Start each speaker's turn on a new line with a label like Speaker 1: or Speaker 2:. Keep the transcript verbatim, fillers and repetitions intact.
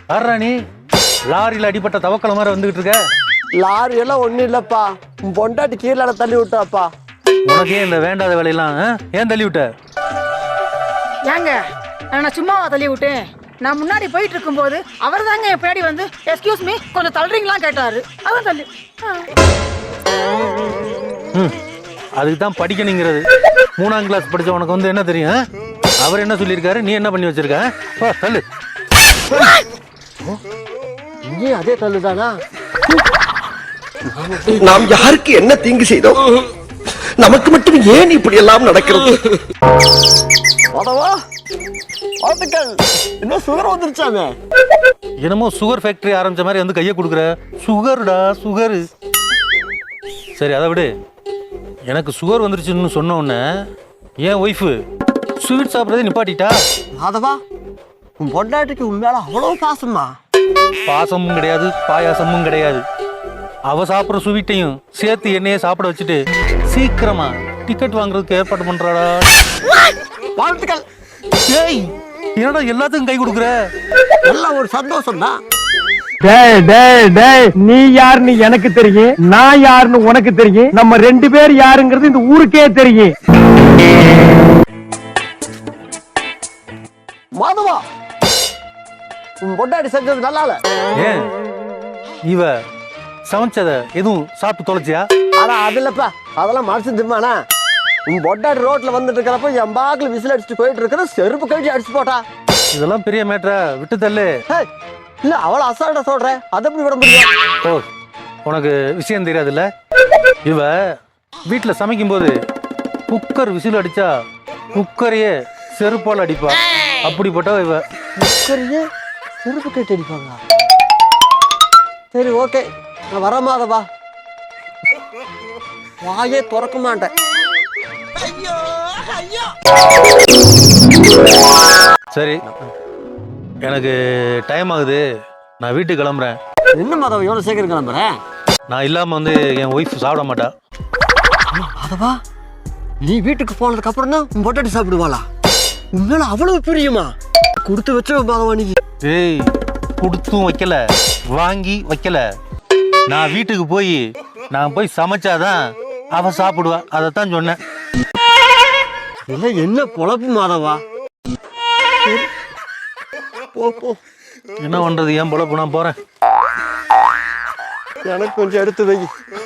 Speaker 1: யாரா நீ லாரியில் அடிப்பட்ட தவக்கல மாதிரி வந்துகிட்டு இருக்க?
Speaker 2: லாரி எல்லாம் ஒண்ணும் இல்லப்பா, உன் பொண்டாட்டி கீழே தள்ளி விட்டாப்பா.
Speaker 1: உனக்கே இந்த வேண்டாத வேலையெல்லாம் ஆ? ஏன் தள்ளி விட்ட?
Speaker 3: ஏங்க நான் சும்மாவா தள்ளி விட்டேன்? நான் முன்னாடி போயிட்டு இருக்கும்போது அவர் தாங்க என் பின்னாடி வந்து எக்ஸ்கியூஸ் மீ கொஞ்சம் தள்ளுறீங்களான்னு கேட்டாரு. அதான் தள்ளி.
Speaker 1: ம் அதுக்கு தான் படிக்கணுங்கிறது. மூணாம் கிளாஸ் படிச்ச உனக்கு வந்து என்ன தெரியும்? ஆ? அவர் என்ன சொல்லியிருக்காரு, நீ என்ன பண்ணி வச்சிருக்க? வா தள்ளு.
Speaker 2: இங்கே அதே தள்ளுதானா?
Speaker 4: நாம் யாருக்கு என்ன தீங்கு செய்தோம்? நமக்கு மட்டும் ஏன் இப்படி எல்லாம் நடக்கிறது?
Speaker 2: வாழ்த்துக்கள். இன்னும் சுகர் வந்துருச்சாமே.
Speaker 1: என்னமோ சுகர் ஃபேக்டரி ஆரம்பிச்ச மாதிரி வந்து கையை கொடுக்குற. சுகருடா சுகரு. சரி அதை விடு. எனக்கு சுகர் வந்துருச்சுன்னு சொன்ன உடனே என் ஒய்ஃபு ஸ்வீட் சாப்பிட்றதே நிப்பாட்டிட்டா.
Speaker 2: மாதவா, உன் பொண்டாட்டிக்கு உண்மையால அவ்வளோ பாசமா?
Speaker 1: பாசமும் கிடையாது, பாயாசமும் கிடையாது. அவ சாப்பிட்ற ஸ்வீட்டையும் சேர்த்து என்னையே சாப்பிட வச்சுட்டு சீக்கிரமா டிக்கெட் வாங்குறதுக்கு ஏற்பாடு பண்றாடா.
Speaker 2: வாழ்த்துக்கள்.
Speaker 1: ஏய் என்னடா எல்லாத்துக்கும் கை கொடுக்குற?
Speaker 2: எல்லாம் ஒரு சந்தோஷம் தான்.
Speaker 5: டேய் டேய் டேய், நீ யாருன்னு எனக்கு தெரியும், நான் யாருன்னு உனக்கு தெரியும். நம்ம ரெண்டு பேர் யாருங்கிறது இந்த ஊருக்கே தெரியும்.
Speaker 2: மாதவா, உன் பொண்டாட்டி செஞ்சது நல்லா இல்ல.
Speaker 1: ஏன் இவ சமைச்சத எதுவும் சாப்பிட்டு தொலைச்சியா?
Speaker 2: ஆனா அது இல்லப்பா, அதெல்லாம் மனசு திரும்பானா? உன் பொண்டாட்டி ரோட்ல வந்துட்டு இருக்கிறப்ப என் பாக்குல விசில் அடிச்சுட்டு போயிட்டு இருக்கிற செருப்பு கழிச்சு அடிச்சு போட்டா.
Speaker 1: இதெல்லாம் பெரிய மேட்டரா? விட்டு தள்ளு.
Speaker 2: ஹே, இல்ல அவளை அசால்ட்டா சொல்றேன், அதை எப்படி விட முடியும்?
Speaker 1: ஓ உனக்கு விஷயம் தெரியாதுல்ல? இவ வீட்டில் சமைக்கும்போது குக்கர் விசில் அடிச்சா குக்கரையே செருப்பால் அடிப்பா. அப்படிப்பட்ட இவ.
Speaker 2: குக்கரையே செருப்பு கட்டி அடிப்பாங்களா? சரி ஓகே, நான் வர மாதவா. வாயே திறக்க மாட்டேன்.
Speaker 1: சரி எனக்கு டைம் ஆகுது, நான் வீட்டுக்கு கிளம்புறேன்.
Speaker 2: என்ன மாதவா எவ்வளவு சீக்கிரம் கிளம்புறேன்?
Speaker 1: நான் இல்லாமல் வந்து என் ஒய்ஃப் சாப்பிட மாட்டா.
Speaker 2: மாதவா, நீ வீட்டுக்கு போனதுக்கு அப்புறம் தான் உன் பொட்டாட்டி சாப்பிடுவாளா? உண்மையில அவ்வளவு பிரியுமா? கொடுத்து வச்ச மாதவா நீ.
Speaker 1: ஏய் கொடுத்தும் வைக்கல, வாங்கி வைக்கல. நான் வீட்டுக்கு போய் நான் போய் சமைச்சாதான் அவ சாப்பிடுவா. அதைத்தான் சொன்னேன்.
Speaker 2: இல்ல என்ன பொழப்பு மாதவா? போ போ.
Speaker 1: என்ன பண்றது, ஏன் பொழப்பு, நான் போறேன்.
Speaker 2: எனக்கு கொஞ்சம் எடுத்து வை.